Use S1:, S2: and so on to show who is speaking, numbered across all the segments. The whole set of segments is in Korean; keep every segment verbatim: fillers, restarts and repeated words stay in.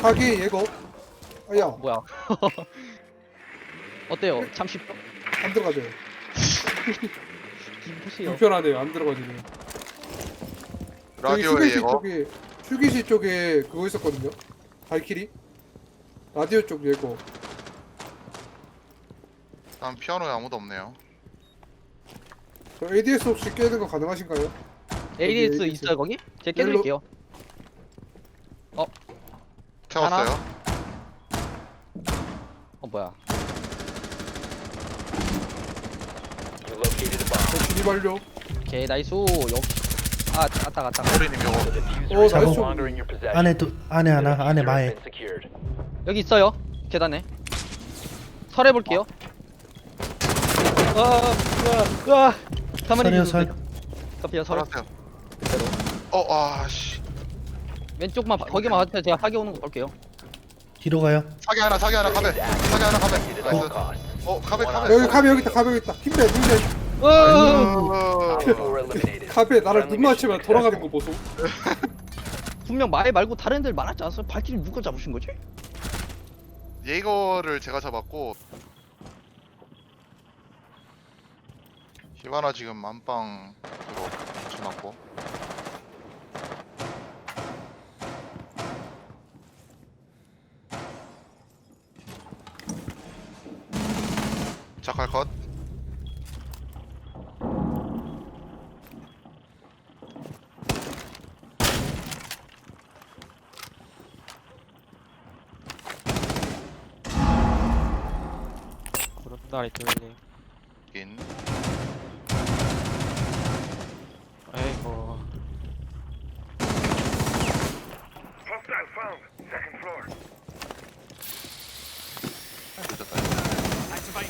S1: 사기 예거. 아야
S2: 뭐야? 어때요? 참 쉽죠?
S1: 안 들어가져요.
S2: 기보세요.
S1: 불편하네요. 안 들어가지네. 저기
S3: 라디오에
S1: 휴게실
S3: 이거
S1: 쪽에 휴게실 쪽에 그거 있었거든요. 발키리. 라디오 쪽 예거.
S3: 다음 피아노에 아무도 없네요.
S1: 저 에이디에스 혹시 깨는 거 가능하신가요?
S2: 에이디에스
S1: 여기
S2: 있어요 거기? 제가
S1: 옐로-
S2: 깨드릴게요.
S3: 채웠어요.
S2: 어 뭐야?
S4: You located a bomb.
S1: 저 진입 완료.
S2: 오케이 나이스. 역. 아 갔다 갔다.
S3: 소리님 이거
S4: The diffuser
S1: 어,
S4: is no
S1: 나이스.
S4: longer in your possession.
S5: 안에 또 안에
S4: The
S5: 하나 안에
S4: diffuser has
S5: 마에
S4: been secured.
S2: 여기 있어요. 계단에. 설해 볼게요. 아, 와, 와. 가만히
S5: 설이요,
S2: 있어도
S5: 설.
S2: 돼요. 카피야 설.
S3: 살았어요.
S2: 그대로.
S3: 어 아씨
S2: 왼쪽만 봐- 거기만 와주세요. 제가 사기 오는 거 볼게요.
S5: 뒤로 가요.
S3: 사기 하나 사기 하나 카베 사기 하나 카베
S4: At all
S3: 나이스.
S4: costs.
S3: 어 카베 카베.
S1: 여기 카베 여기 있다. 카베 여기 있다. 힘내 힘내.
S2: 어,
S3: 어,
S4: Op four eliminated.
S1: 카베 나를
S4: Friendly
S1: 눈 맞추면
S4: mission
S1: 돌아가는 거 보소.
S2: 분명 말 말고 다른 애들 많았지 않았어요? 발길이 누가 잡으신 거지?
S3: 예거를 제가 잡았고 히바나 지금 안방으로 붙여놨고 자칼 컷.
S6: 구름다리 뚫림.
S3: 인
S6: 아이고.
S3: 늦었다.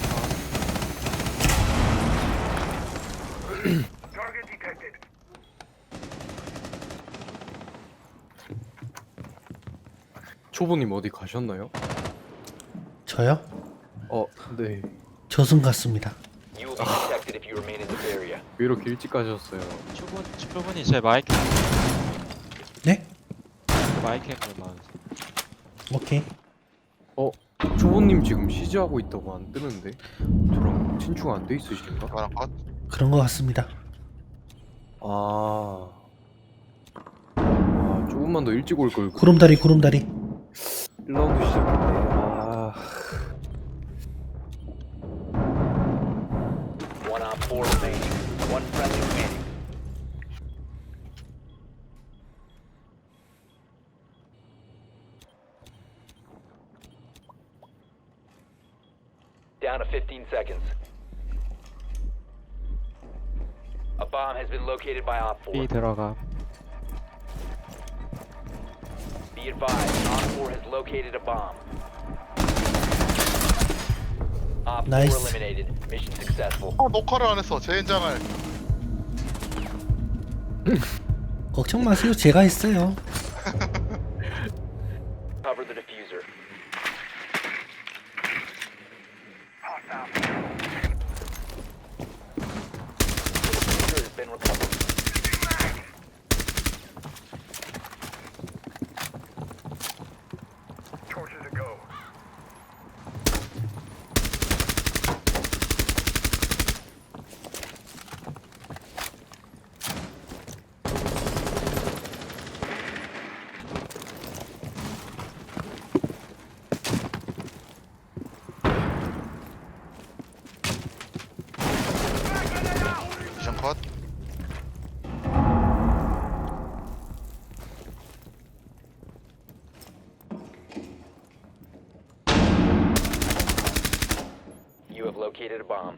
S7: 초보님 어디 가셨나요?
S5: 저요?
S7: 어, 네.
S5: 저승 같습니다.
S4: You will be detected if you remain in this area.
S7: 왜 이렇게 일찍 가셨어요?
S6: 초보 초보분이 제 마이크
S5: 네?
S6: 마이크 앵글만.
S5: 오케이.
S7: 초보님 지금 시즈하고 있다고 안 뜨는데? 저랑 친추가 안 돼 있으신가?
S3: 히바나 컷.
S5: 그런 것 같습니다.
S7: 아... 아, 조금만 더 일찍 올걸.
S5: 구름다리 구름다리.
S7: 일 라운드 시작했네. 아...
S4: One op four remaining. One friendly remaining. Down to fifteen seconds. A bomb has been located by Op four.
S6: B 들어가.
S4: Be advised, Op four has located a bomb. Op four
S5: Nice.
S4: eliminated. Mission successful.
S3: 어 녹화를 안 했어. 제 현장을.
S5: 걱정 마세요. 제가 했어요.
S4: Cover the diffuser. Diffuser has been recovered.
S3: 미션 컷.
S4: You have located a bomb.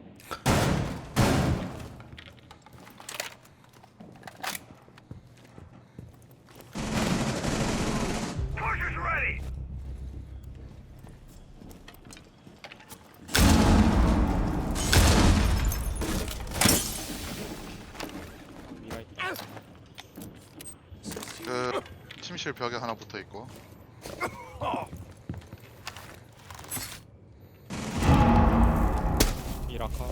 S6: 미라 있다.
S3: 그 침실 벽에 하나 붙어 있고.
S6: 미라카.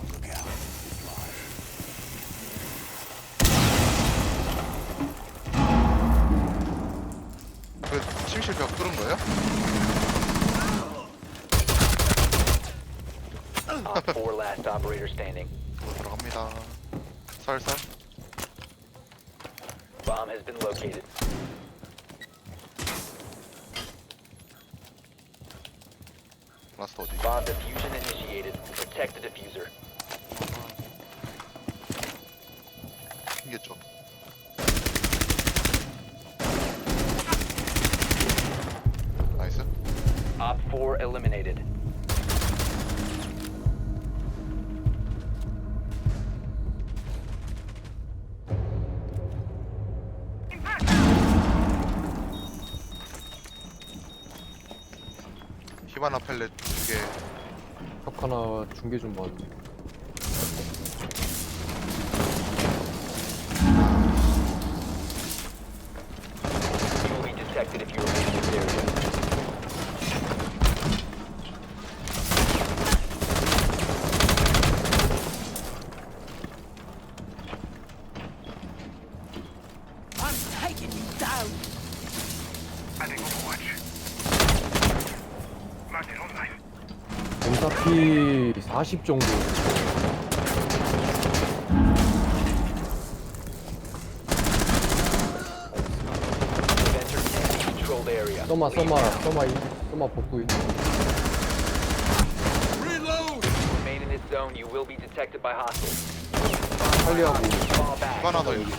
S3: 그 침실 침실 벽 뚫은 거예요?
S4: Op four last operator standing.
S3: 들어갑니다. 살살.
S4: Bomb has been located.
S3: 라스트 어디?
S4: Bomb diffusion initiated. Protect the diffuser.
S3: 튕겼죠. 나이스.
S4: Op four eliminated.
S3: 히바나 펠렛 두 개.
S7: 벽 하나 중계 좀 봐.
S4: You will be detected if you remain in this area.
S7: 엠사피 사십 정도.
S4: You've entered an enemy-controlled area.
S7: 써마 써마 써마 인 써마 복구 인.
S4: Remain in this zone. You will be detected by hostiles.
S7: 빨리하고
S4: Fall back.
S3: 히바나 더 있어.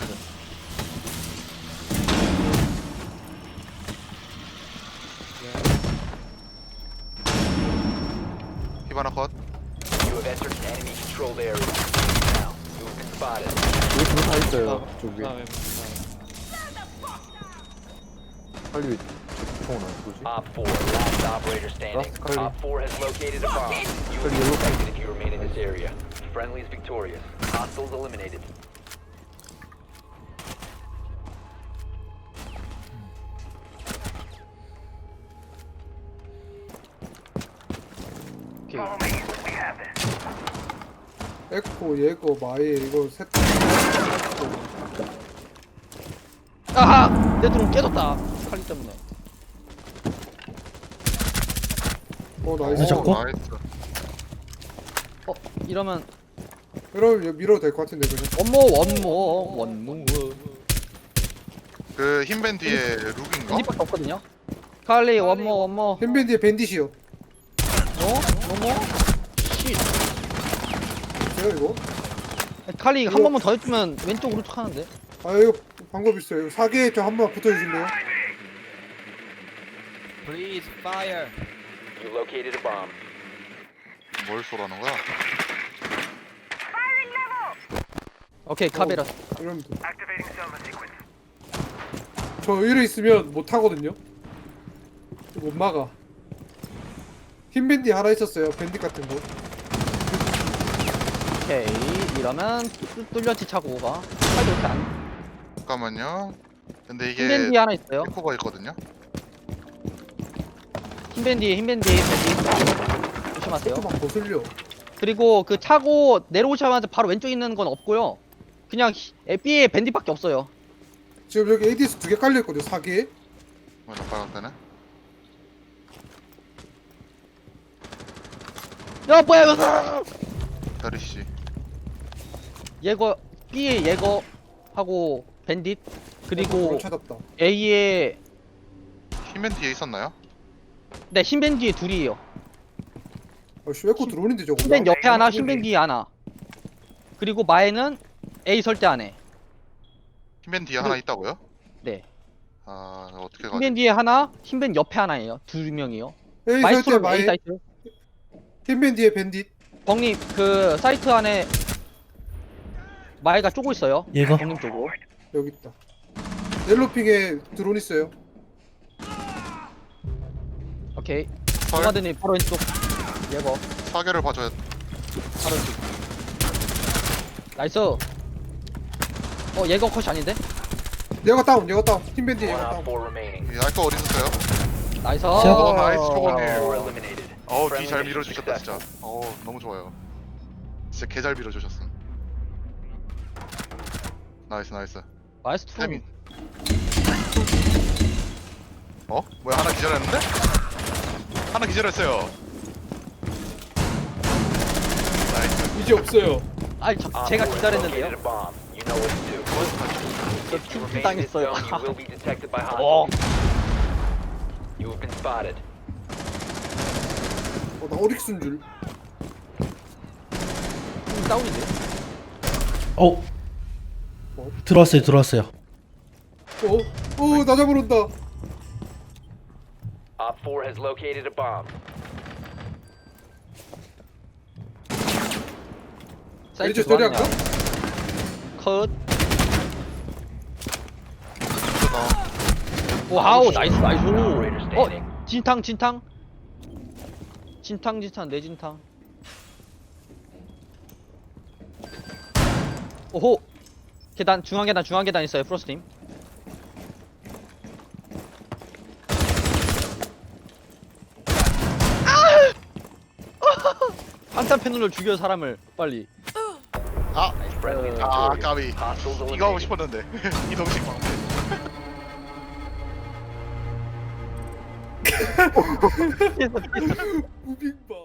S3: 히바나 컷.
S4: You have entered an enemy-controlled area. Now, you have been spotted.
S7: 여기 둘다 있어요. 저기
S6: 그다음에
S7: 빨리 총은 안 쏘지?
S4: Op four, last operator standing.
S7: Last call.
S4: Op four has located a bomb. You will be
S7: Call.
S4: detected if you remain in this area. Friendly is victorious. Hostiles eliminated.
S2: 오케이.
S1: 에코, 예고, 마일 이거 셋.
S2: 아하! 내 드론 깨졌다. 칼리 때문에.
S1: 어 나이스.
S5: 늦었고?
S3: 오, 나이스.
S2: 어 이러면
S1: 그럼 이거 밀어도 될 것 같은데 그냥.
S2: 원모 원모 원모.
S3: 그 흰밴 뒤에 룩인가?
S2: 핸디밖에 없거든요. 칼리 원모 원모.
S1: 햄밴디에 밴디시요.
S2: 어? 원모? 쉿.
S1: 제가 이거.
S2: 칼리 한
S1: 이거-
S2: 번만 더 해주면 왼쪽 오른쪽 하는데.
S1: 아 이거 방법 있어요. 이거 사계에 좀 한 번 붙어주실래요?
S4: You located a bomb.
S3: 뭘 쏘라는 거야?
S2: 오케이 카베라.
S1: 이러면 돼. 저 이래 있으면 못 하거든요. 못 막아. 흰 밴디 하나 있었어요. 밴디 같은 거.
S2: 오케이 이러면 뚫- 뚫렸지 차고가. 칼리 이렇게 안.
S3: 잠깐만요. 근데 이게
S2: 흰밴디 하나 있어요.
S3: 에코가 있거든요.
S2: 흰밴디 흰밴디 밴디. 조심하세요.
S1: 막 거슬려.
S2: 그리고 그 차고 내려오자마자 바로 왼쪽에 있는 건 없고요. 그냥 B에 밴디밖에 없어요.
S1: 지금 여기 에이디에스 두 개 깔려 있거든요. 사계에.
S3: 뭐야, 빨갛다네.
S2: 야 뭐야 이거?
S3: 다르시.
S2: 예거 B에 예거 하고 밴딧 그리고
S1: 어, 찾았다.
S2: A에
S3: 흰밴 뒤에 있었나요?
S2: 네 흰밴디에 둘이에요.
S1: 아씨 에코 들어오는데 저거.
S2: 흰밴 옆에 하나, 흰밴 뒤에 하나. 그리고 마에는 A 설대 안에.
S3: 흰밴 뒤에 하나 있다고요?
S2: 네.
S3: 아 어떻게 가지?
S2: 흰밴 뒤에 하나, 흰밴 옆에 하나예요. 두 명이요.
S1: 에이 설때
S2: 마이스트로 A
S1: 마이.
S2: 사이트.
S1: 흰 밴디에 밴디.
S2: 벙님 그 사이트 안에 마에가 쪼고 있어요.
S5: 예거?
S2: 벙님 쪽으로.
S1: 여기 있다. 옐로핑에 드론 있어요.
S2: 오케이.
S3: 헐,
S2: 노마드님 바로 왼쪽. 예거.
S3: 사계를 봐줘야.
S2: 바로 왼쪽. 나이스. 어 예거 컷이 아닌데?
S1: 얘가 다운, 얘가 다운. 흰 밴디
S4: One
S1: 얘가
S4: op
S1: 다운.
S4: four remaining.
S3: 이 알거 어디 있었어요?
S2: 나이스.
S5: 시작.
S3: 오 나이스 초보님.
S4: Four eliminated.
S3: 어우 뒤
S4: Friendly
S3: 잘
S4: mission
S3: 밀어주셨다
S4: successful.
S3: 진짜. 어우 너무 좋아요. 진짜 개 잘 밀어주셨음. 나이스 나이스.
S2: 마이스트로.
S3: 태민. 어? 뭐야 하나 기절했는데? 하나 기절했어요. 나이스.
S1: 이제 없어요.
S2: 아니 저,
S4: Op
S2: 제가
S4: four has
S2: 기다렸는데요.
S4: located a bomb. You know what to do.
S2: 저
S4: If you
S2: 팀
S4: remain in this
S2: 당했어요.
S4: zone, you will be detected by
S2: 어.
S4: hostiles. You have been spotted.
S1: 어, 나 오릭스인 줄.
S2: 팀 다운인데.
S5: 어. 들어왔어요, 들어왔어요.
S1: 어? 어, 나 잡으러 온다.
S4: Op four has located a bomb.
S2: 사이트
S1: 이제 저리
S2: 좋았냐?
S1: 할까?
S2: 컷.
S3: 끊어.
S2: 와우 나이스 나이스.
S4: Operator
S2: 어
S4: standing.
S2: 진탕 진탕. 진탕 진탕 내 진탕. 오호. 계단 중앙 계단 중앙 계단 있어요 프로스팀. 한탄 패널로 죽여 사람을 빨리.
S3: 아,
S4: Friendly
S3: 아
S4: victorious.
S3: 까비.
S4: Hostiles
S3: 이거 하고
S4: eliminated.
S3: 싶었는데 이동식 방패.
S2: 피했어 피했어.
S1: 무빙바.